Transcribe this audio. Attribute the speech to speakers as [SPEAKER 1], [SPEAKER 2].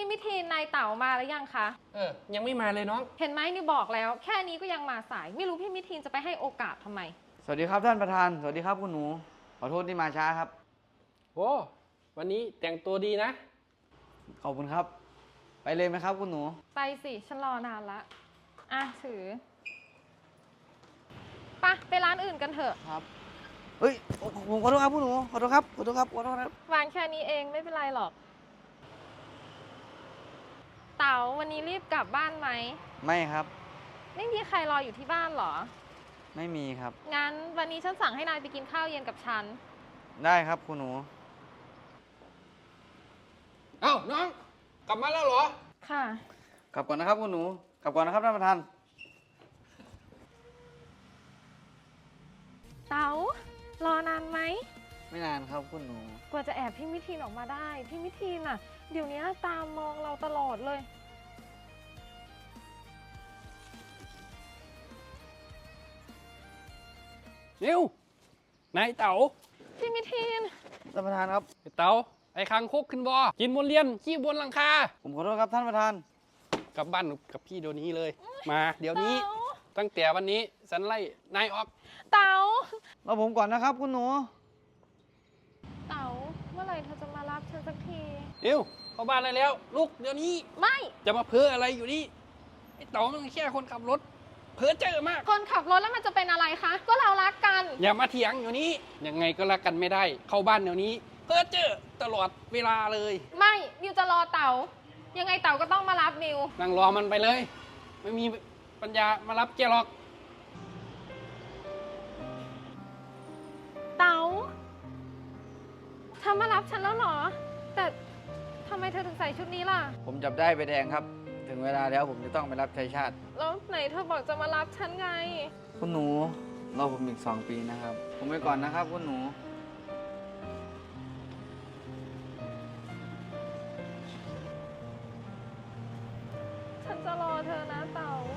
[SPEAKER 1] พี่มิทีนนายเต๋ามาแล้วยังคะ
[SPEAKER 2] ยังไม่มาเลยน้อง
[SPEAKER 1] เห็นไหมนี่บอกแล้วแค่นี้ก็ยังมาสายไม่รู้พี่มิทีนจะไปให้โอกาสทำไม
[SPEAKER 3] สวัสดีครับท่านประธานสวัสดีครับคุณหนูขอโทษที่มาช้าครับ
[SPEAKER 2] โอ้วันนี้แต่งตัวดีนะ
[SPEAKER 3] ขอบคุณครับไปเลยไหมครับคุณหนู
[SPEAKER 1] ไปสิฉันรอนานละถือไปร้านอื่นกันเถอะ
[SPEAKER 3] ครับเฮ้ยผมขอโทษครับคุณหนูขอโทษครับขอโทษครับขอโทษครับ
[SPEAKER 1] วางแค่นี้เองไม่เป็นไรหรอกเต๋าวันนี้รีบกลับบ้านไหม
[SPEAKER 3] ไม่ครับ
[SPEAKER 1] ไม่มีใครรออยู่ที่บ้านหรอ
[SPEAKER 3] ไม่มีครับ
[SPEAKER 1] งั้นวันนี้ฉันสั่งให้นายไปกินข้าวเย็นกับฉัน
[SPEAKER 3] ได้ครับคุณหนู
[SPEAKER 2] เอ้าน้องกลับมาแล้วเหรอ
[SPEAKER 1] ค่ะ
[SPEAKER 3] กลับก่อนนะครับคุณหนูกลับก่อนนะครับท่านประธาน
[SPEAKER 1] เต๋ารอนานไหม
[SPEAKER 3] ไม่นานครับคุณหนู
[SPEAKER 1] กว่าจะแอบพี่มิทีนออกมาได้พี่มิทีนอ่ะเดี๋ยวนี้ตามมองเราตลอดเลย
[SPEAKER 2] นิวนายเต๋า
[SPEAKER 1] พี่มิทีน
[SPEAKER 3] ท่านประธานครับ
[SPEAKER 2] เต๋าไอ้คางคกขึ้นบ่กินบนเรียนขี้บนหลังคา
[SPEAKER 3] ผมขอโทษครับท่านประธาน
[SPEAKER 2] กลับบ้านกับพี่เดี๋ยวนี้เลยมาเดี๋ยวนี้ตั้งแต่วันนี้ฉันไล่นายออก
[SPEAKER 1] เต๋าร
[SPEAKER 3] อผมก่อนนะครับคุณหนู
[SPEAKER 1] เต๋าเมื่อไหร่เธอจะมารับฉันสักที
[SPEAKER 2] นิวเข้าบ้านได้แล้วลูกเดี๋ยวนี้
[SPEAKER 1] ไม่
[SPEAKER 2] จะมาเพ้ออะไรอยู่นี่ไอ้เต๋ามันแค่คนขับรถเพ้อเจอมาก
[SPEAKER 1] คนขับรถแล้วมันจะเป็นอะไรคะก็เรารักกัน
[SPEAKER 2] อย่ามาเถียงอยู่นี้ยังไงก็รักกันไม่ได้เข้าบ้านเดี๋ยวนี้เพ้อเจอตลอดเวลาเลย
[SPEAKER 1] ไม่นิวจะรอเต๋ายังไงเต๋าก็ต้องมารับนิว
[SPEAKER 2] นั่งรอมันไปเลยไม่มีปัญญามารับแกหรอก
[SPEAKER 1] เต๋าเธอมารับฉันแล้วเหรอแต่ทำไมเธอถึงใส่ชุดนี้ล่ะ
[SPEAKER 3] ผมจับได้ใบแดงครับถึงเวลาแล้วผมจะต้องไปรับใช้ชาติ
[SPEAKER 1] แล้วไหนเธอบอกจะมารับฉันไง
[SPEAKER 3] คุณหนูรอผมอีก2 ปีนะครับผมไปก่อนนะครับคุณหนู
[SPEAKER 1] ฉันจะรอเธอนะเต๋า